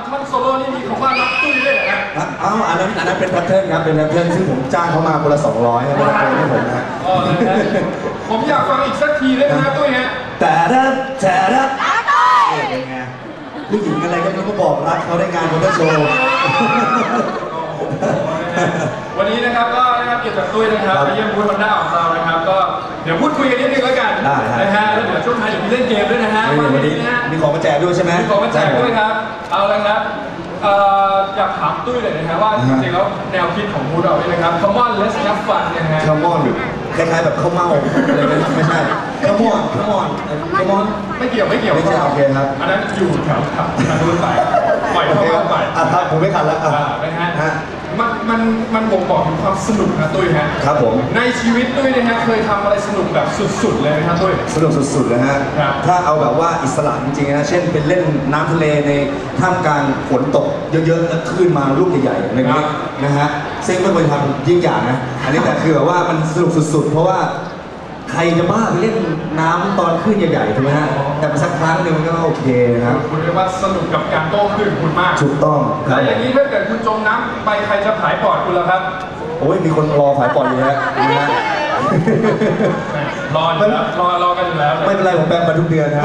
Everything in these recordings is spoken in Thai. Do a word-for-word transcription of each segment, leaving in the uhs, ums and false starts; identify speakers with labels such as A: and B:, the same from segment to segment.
A: อนท่อนโซโล่นี่มีคำว่ารักตุ้ยด้วยนะ
B: อ้าวอันนั้นอันนั้นเป็นแพทเทิร์นครับเป็นแพทเทิร์นซึ่งผมจ้างเขามาคนละสองร้อยครับให้ผมนะ
A: อ๋อนะผมอยากฟังอีกสักทีได้ไหมครับตุ้ยฮะ
B: แต่ถ้าแต่ถ้าเป็นไงผู้หญิงอะไรก็ต้องบอกรักเขาได้งานมอเตอร์โชว์
A: วันนี้นะครับก็นะครับเกี่ยวกับตุ้ยนะครับไปเยี่ยมบูธฮอนด้าของเรานะครับก็เดี๋ยวพูดคุยกันนิดนึงแล้วกันนะฮะแล้วเดี๋ยวช่วงท้ายเดี๋ยวมีเล่นเกมด้วยนะฮะ
B: วันนี้มีของมาแจกด้วยใช่ไหม
A: มีของมาแจกด้วยครับเอาละครับอยากถามตุ้ยเลยนะครับว่าจริงๆแล้วแนวคิดของบูธเราเนี่ยนะครับ Come on let's have fun นะฮะ
B: Come on คล้ายๆแบบข้าวเม่าอะไรกันไม่ใช่ Come on Come on Come on
A: ไม่เกี่ยวไม่เกี่ยว
B: ไม่ใช่โอเคครับ
A: อันนั้นอยู่แถวขับทางนู้นไปปล่อยเข้าไป
B: อ่ะครับผมไม่ทันแล้วอ่ะ
A: นะฮะมันมันมันบ่งบอกถึงความสนุกนะตุ้ยฮะ
B: ครับผม
A: ในชีวิตตุ้ยนะฮะเคยทำอะไรสนุกแบบสุดๆเลยนะครับตุ้ย
B: สนุกสุดๆเลยฮะถ้าเอาแบบว่าอิสระจริงๆนะเช่นเป็นเล่นน้ำทะเลในท่ามกลางฝนตกเยอะๆแล้วคลื่นมาลูกใหญ่ๆอะไรอย่างนี้นะฮะซึ่งไม่เคยทำยิ่งอย่างนะอันนี้แต่คือแบบว่ามันสนุกสุดๆเพราะว่าใครจะบ้าไปเล่นน้ำตอนคลื่นใหญ่ๆถูกไหมฮะแต่สักครั้งหนึ่งมันก็โอเคนะครับ
A: คุณเรียกว่าสนุกกับการโต้คลื่นคุณมาก
B: ถูกต้อง
A: แล้วอย่างนี้ถ้าเกิดคุณจมน้ำไปใครจะผายปอดคุณล่ะครับ
B: โอ้ยมีคนรอผายปอดอยู่แล้วนะ
A: รออยู่แล้วรอรอกันอยู่แล้ว
B: ไม่เป็นไรผมแปลงมาทุกเดือนครับ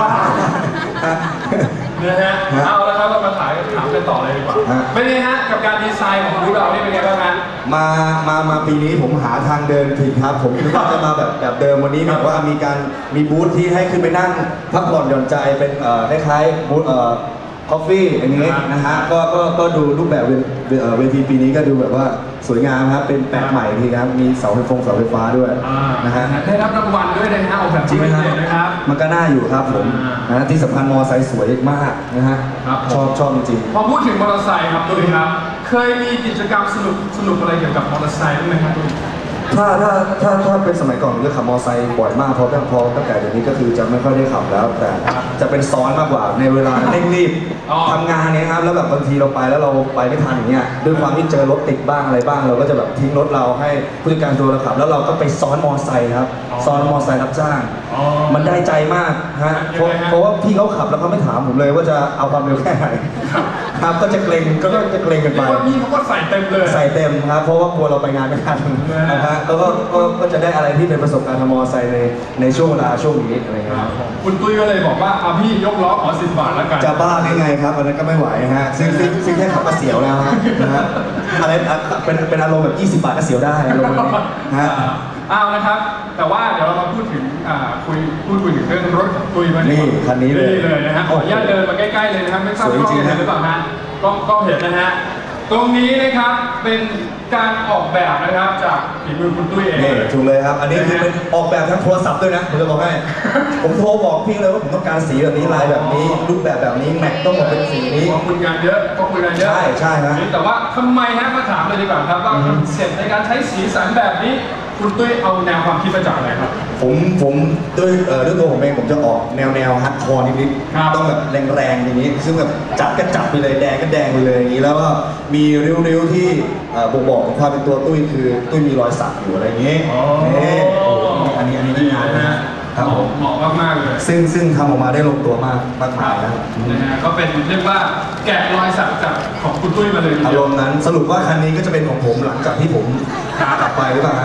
A: นะฮะเอาแล้วครับเรามาถามถามกันต่อเลยดีกว่าเป็นไงฮะกับการดีไซน์ของบูธเรานี่เป็นไงบ้างฮะ
B: มามามาปีนี้ผมหาทางเดินผิดครับผมคิดว่าจะมาแบบแบบเดิมวันนี้แบบว่ามีการมีบูธที่ให้ขึ้นไปนั่งพักผ่อนหย่อนใจเป็นเอ่อคล้ายๆบูธเอ่อคอฟฟี่อันนี้นะฮะก็ก็ก็ดูรูปแบบเวทีปีนี้ก็ดูแบบว่าสวยงามครับเป็นแปลกใหม่ทีครับมีเสาไฟฟงเสาไฟฟ้าด้วยนะฮะ
A: ได้รับรางวัลด้วยนะฮะออกแบบ
B: จริงไหมครับมันก็น่าอยู่ครับผมนะที่สำคัญมอเตอร์ไซค์สวยมากนะฮะชอบชอบจริง
A: พอพูดถึงมอเตอร์ไซค์ครับตุ้ยครับเคยมีกิจกรรมสนุกสนุกอะไรเกี่ยวกับมอเตอร์ไซค์บ้างไหมครับตุ้ย
B: ถ้าถ้าถ้าถ้าเป็นสมัยก่อนผมจะขับมอเตอร์ไซค์บ่อยมากเพราะพอตั้งแต่เดี๋ยวนี้ก็คือจะไม่ค่อยได้ขับแล้วแต่จะเป็นซ้อนมากกว่าในเวลาเร่งรีบทำงานเนี้ยครับแล้วแบบบางทีเราไปแล้วเราไปไม่ทันอย่างเงี้ยด้วยความที่เจอรถติดบ้างอะไรบ้างเราก็จะแบบทิ้งรถเราให้ผู้จัดการตัวเราขับแล้วเราก็ไปซ้อนมอเตอร์ไซค์ครับซ้อนมอเตอร์ไซค์รับจ้างมันได้ใจมากฮะเพราะว่าพี่เขาขับแล้วเขาไม่ถามผมเลยว่าจะเอาความเร็วแค่ไหนครับก็จะเกรงก็จะเกรงกันไป
A: พี่เขาก็ใส่เต็มเลย
B: ใส่เต็มครับเพราะว่ากลัวเราไปงานไม่ทันนะฮะแล้วก็ก็จะได้อะไรที่เป็นประสบการณ์ทางมอเตอร์ไซค์ในในช่วงเวลาช่วงนี้อะไรเงี้ย
A: คุณตุ้ยก็เลยบอกว่าเอาพี่ยกล้อขอสิบบาทแล้วกัน
B: จะบ้าได้ไงครับอันนั้นก็ไม่ไหวฮะซึ่งซึ่งซึ่งแค่ขับก็เสียวแล้วฮะนะฮะอะไรเป็นเป็นอารมณ์แบบยี่สิบบาทก็เสียวได้อารมณ์นี้ฮะ
A: อ้าวนะครับแต่ว่าเดี๋ยวเรามาพูดถึงคุยพูดคุยถึงเรื่องรถของตุ้ยมา
B: นี่คันนี้เลย
A: เลยนะฮะขออนุญาตเดินมาใกล้ๆเลยนะครับไม่ทราบกล้องเห็นหรือเปล่าฮะกล้องกล้องเห็นนะฮะตรงนี้นะครับเป็นการออกแบบนะครับจากฝีมือคุณตุ้ยเอง
B: ถูกเลยครับอันนี้คือเป็นออกแบบทั้งโทรศัพท์ด้วยนะผมจะบอกให้ผมโทรบอกพี่เลยว่าผมต้องการสีแบบนี้ลายแบบนี้รูปแบบแบบนี้แม็กต้องหมดเป็นสีนี้
A: คุยงานเยอะก็คุยงานเยอะ
B: ใช่ใช่ฮะ
A: แต่ว่าทำไมฮะมาถามเลยดีกว่าครับว่าคอนเซ็ปต์ในการใช้สีสันแบบนี้คุณตุ้ยเอาแนวความคิดมาจากอะไรครับ
B: ผมผมด้วยเอ่อด้วยตัวผมเองผมจะออกแนวแนวฮัดคอร์นิดๆต้องแบบแรงๆอย่างนี้ซึ่งแบบจับก็จับไปเลยแดงก็แดงไปเลยอย่างนี้แล้วก็มีริ้วๆที่บ่งบอกถึงความเป็นตัวตุ้ยคือตุ้ยมีรอยสักอยู่อะไรอย่างนี้นี่อันนี้อันนี้ที่งานนะครับผม
A: เหมาะมากๆเลย
B: ซึ่งซึ่งทำออกมาได้ลงตัวมากมากมาย
A: นะครับนะฮะก็เป็นเรียกว่าแกะรอยสักจากของคุณตุ้ยมาเลย
B: อารมณ์นั้นสรุปว่าคันนี้ก็จะเป็นของผมหลังจากที่ผมกลับไปหรือเปล่า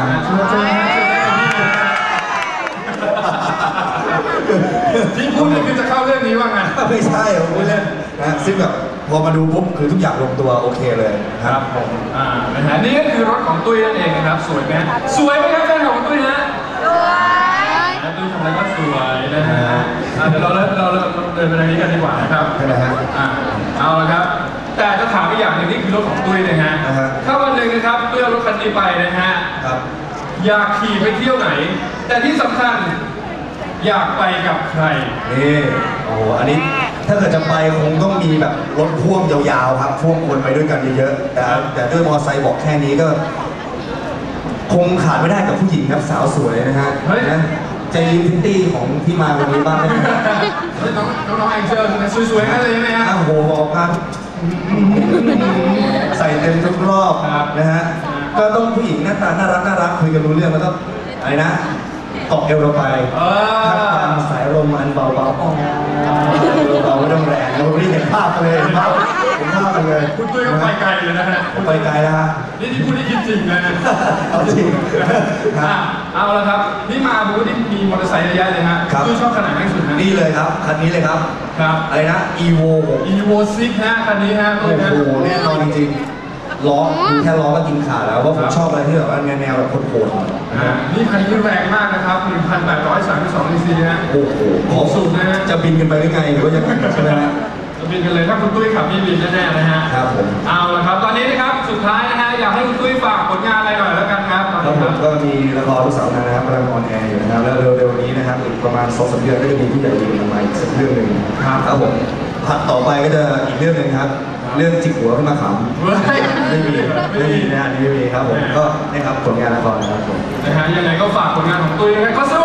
A: ที่พูดนี่คือจะเข้าเรื่องนี้ว่าไง
B: ไม่ใช่ผมพูดเล่นนะซึ่งแบบพอมาดูปุ๊บคือทุกอย่างลงตัวโอเคเลย
A: ครับผมอ่านะฮะนี่ก็คือรถของตุ้ยนั่นเองนะครับสวยไหมสวยไหมครับแฟนของตุ้ยฮะสวยตุ้ยทำอะไรก็สวยนะฮะเดี๋ยวเราเริ่มเราเริ่มเดินไปทางนี้กันดีกว่านะครับ
B: ใช่ไหมฮะ
A: อ่าเอาละครับแต่จะถามอีกอย่างหนึ่งนี่คือรถของตุ้ยนะฮะถ้าวันหนึ่งนะครับตุ้ยเอารถคันนี้ไปนะฮะอยากขี่ไปเที่ยวไหนแต่ที่สำคัญอยากไปกับใคร
B: นี่โอ้โหอันนี้ถ้าเกิดจะไปคงต้องมีแบบรถพ่วงยาวๆครับพ่วงคนไปด้วยกันเยอะๆแต่แต่ด้วยมอเตอร์ไซค์บอกแค่นี้ก็คงขาดไม่ได้กับผู้หญิงครับสาวสวยนะฮะนะจะยืมพิตตี้ของที่มาวันนี้บ้างไหม
A: น้องน้องแองเจิลสวยๆนั่นเลยไหมฮะ
B: โอ้โหบอกครับใส่เต็มทุกรอบนะฮะก็ต้องผู้หญิงหน้าตาน่ารักน่ารักคุยกันรู้เรื่องแล้วก็อะไรนะเกาะเอวเราไป
A: เออ
B: ทักทางสายลมอันเบาๆอ๋อเบาๆไม่ต้องแรงเราไม่ได้เห็นภาพกันเลยเห็นภาพเห็นภาพกันเลย
A: คุณตุ้ยก็ไปไกลเลยนะฮะ
B: ผมไปไกลแล้วฮะ
A: นี่ที่พูดได้คิดจริงนะ
B: เอาจริง
A: อ่ะเอาละครับ นี่มาบูธที่มีมอเตอร์ไซค์เยอะแยะเลยฮะ
B: ครับ
A: ตุ้ยชอบขนาดไหนที่สุดฮะ
B: นี่เลยครับคันนี้เลยครับ
A: ครับ
B: อะไรนะ Evo หก
A: Evo ซิกฮะคันนี้ฮะ
B: โอ้โหแน่นอนจริงๆล้อดูแค่ล้อก็กินขาดแล้วว่าผมชอบอะไรที่แบบว่าแนวๆแบบโหดๆหน่อย
A: อ่านี่คันนี้แรงมากนะครับ หนึ่งพันแปดร้อยสามสิบสอง ซีซีฮะ
B: โอ้โห
A: ขอสูงนะฮะ
B: จะบินกันไปหรือไงหรือว่ายังไงใช่ไหมฮะ
A: จะบินกันเลยถ้าคุณตุ้ยขับนี่บินแน่ๆนะฮะ
B: ครับผม
A: เอาละครับ ตอนนี้นะครับสุดท้ายนะฮะอยากให้คุณตุ้ยฝากผลงานอะไรหน่อยแล้วกันครับ
B: แล้วผมก็มีละครลูกสาวนางนะครับกำลังออนแอร์อยู่นะครับแล้วเร็วๆนี้นะครับอีกประมาณสองสามเดือนก็จะมีผู้ใหญ่ดีมาใหม่อีกสักเรื่องหนึ่งครับผมถัดต่อไปก็จะอีกเรื่องหนึ่งครับ เรื่องจิกหัวขึ้นมาขำ
A: เฮ้ย
B: ไม่มีไม่มีนะอันนี้ไม่มีครับผมก็นี่ครับผลงานละครนะครับผม
A: นะฮะยังไงก็ฝากผลงานของตุ้ยนะครับขอส